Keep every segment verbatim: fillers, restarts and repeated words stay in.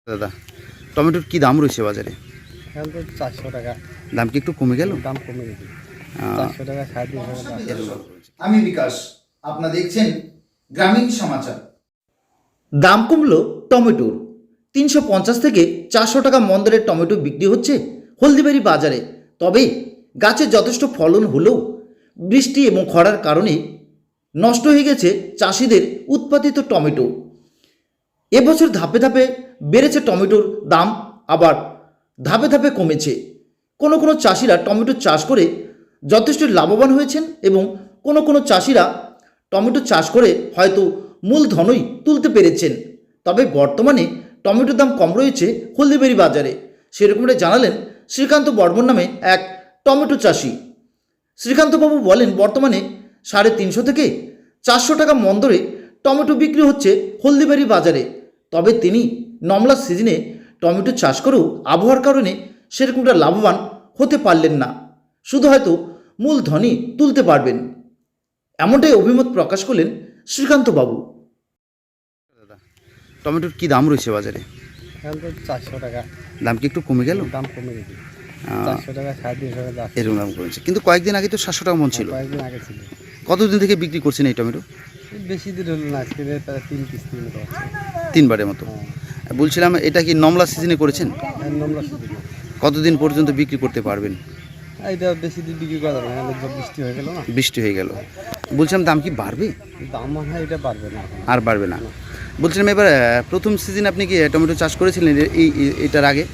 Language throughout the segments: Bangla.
দাদা, টমেটোর কি দাম রয়েছে বাজারে? এখন তো চারশো টাকা। দাম কি একটু কমে গেল? দাম কমে গেছে, চারশো টাকা সাড়ে তিনশো টাকা। আমি বিকাশ, আপনারা দেখছেন গ্রামীণ সমাচার। দাম কমলো টমেটোর। তিনশো পঞ্চাশ থেকে চারশো টাকা মন দরে টমেটো বিক্রি হচ্ছে হলদিবাড়ি বাজারে। তবে গাছে যথেষ্ট ফলন হলেও বৃষ্টি এবং খরার কারণে নষ্ট হয়ে গেছে চাষিদের উৎপাদিত টমেটো। এবছর ধাপে ধাপে বেড়েছে টমেটোর দাম, আবার ধাপে ধাপে কমেছে। কোনো কোনো চাষিরা টমেটো চাষ করে যথেষ্ট লাভবান হয়েছেন এবং কোনো কোনো চাষিরা টমেটো চাষ করে হয়তো মূলধনই তুলতে পেরেছেন। তবে বর্তমানে টমেটোর দাম কম রয়েছে হলদিবাড়ি বাজারে, সেরকমটা জানালেন শ্রীকান্ত বর্মন নামে এক টমেটো চাষি। শ্রীকান্তবাবু বলেন, বর্তমানে সাড়ে তিনশো থেকে চারশো টাকা মন দরে টমেটো বিক্রি হচ্ছে হলদিবাড়ি বাজারে। তবে তিনি নমলা সিজনে টমেটো চাষ করেও আবহাওয়ার কারণে সেরকমটা লাভবান হতে পারলেন না, শুধু হয়তো মূলধনই তুলতে পারবেন, এমনটাই অভিমত প্রকাশ করলেন শ্রীকান্তবাবু। দাদা, টমেটোর কি দাম রয়েছে বাজারে? এখন তো চারশো টাকা। দাম কি একটু কমে গেল? দাম কমে গেছে, চারশো টাকা সাড়ে তিনশো টাকা। এরকম দাম কমেছে, কিন্তু কয়েকদিন আগে তো সাতশো টাকা মন ছিল। কয়েকদিন আগে ছিল। কতদিন থেকে বিক্রি করছেন এই টমেটো? বেশি দিন হলো না, আজকে প্রায় তিন কিস্তি মতো আছে। তিনবারের মতো। বলছিলাম, এটা কি নমলা সিজনে করেছেন? নম্বর শুধু কতদিন পর্যন্ত বিক্রি করতে পারবেন? এটা বেশি দিন বিক্রি করা যাবে না, সব বৃষ্টি হয়ে গেল না। বৃষ্টি হয়ে গেল। বলছিলাম, দাম কি বাড়বে? দাম মনে হয় এটা পারবে না, আর বাড়বে না। বলছিলাম, এবার প্রথম সিজন আপনি কি টমেটো চাষ করেছিলেন এই এটার আগে?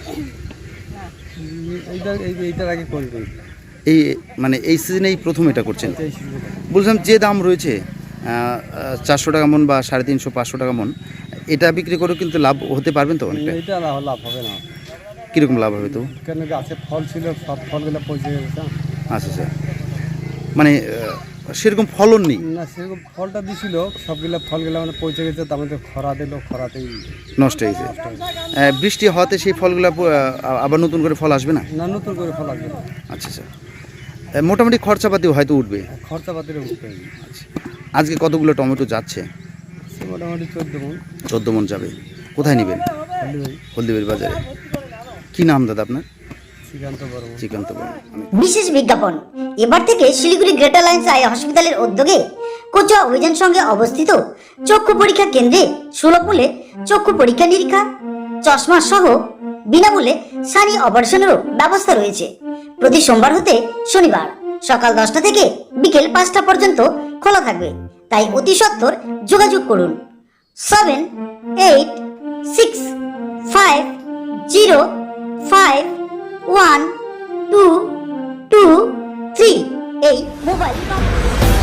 এইটা এইটার আগে কোন দিন এই মানে এই সিজনেই প্রথম এটা করছেন? বলছিলাম, যে দাম রয়েছে চারশো টাকা মন বা সাড়ে তিনশো পাঁচশো টাকা মন, এটা বিক্রি করেও কিন্তু লাভ হতে পারবেন তো অনেকটা? এটা লাভ হবে না। কীরকম লাভ হবে তো? কেন গাছে ফল ছিল, সব ফলগুলো পচে গেছে। আচ্ছা আচ্ছা, মানে সেরকম ফলন নেই না, সেরকম ফলটা দিছিল, সবগুলো ফলগুলো মানে পচে গেছে, তার মধ্যে খরা দিল, খরাতেই নষ্ট হয়েছে। বৃষ্টি হওয়াতে সেই ফলগুলো আবার নতুন করে ফল আসবে না? না, নতুন করে ফল আসবে না। আচ্ছা আচ্ছা, মোটামুটি খরচাপাতিও হয়তো উঠবে। খরচাপাতির উঠবে। আচ্ছা, আজকে কতগুলো টমেটো যাচ্ছে? মোটামুটি চোদ্দ মন। চোদ্দো মন যাবে। কোথায় নেবেন? হলদিবাড়ি বাজারে। কি নাম দাদা আপনার? শ্রীকান্ত বর্মন। শ্রীকান্ত বর্মন। বিশেষ বিজ্ঞাপন, এবার থেকে শিলিগুড়ি গ্রেটার লাইন্স আই হসপিটালের উদ্যোগে কোচুয়া অভিযান সঙ্গে অবস্থিত চক্ষু পরীক্ষা কেন্দ্রে সুলভ মূল্যে চক্ষু পরীক্ষা নিরীক্ষা, চশমা সহ বিনামূল্যে সানি অপারেশনেরও ব্যবস্থা রয়েছে। প্রতি সোমবার হতে শনিবার সকাল দশটা থেকে বিকেল পাঁচটা পর্যন্ত খোলা থাকবে, তাই অতি সত্বর যোগাযোগ করুন seven eight six five zero five one two two three এই মোবাইল নম্বর।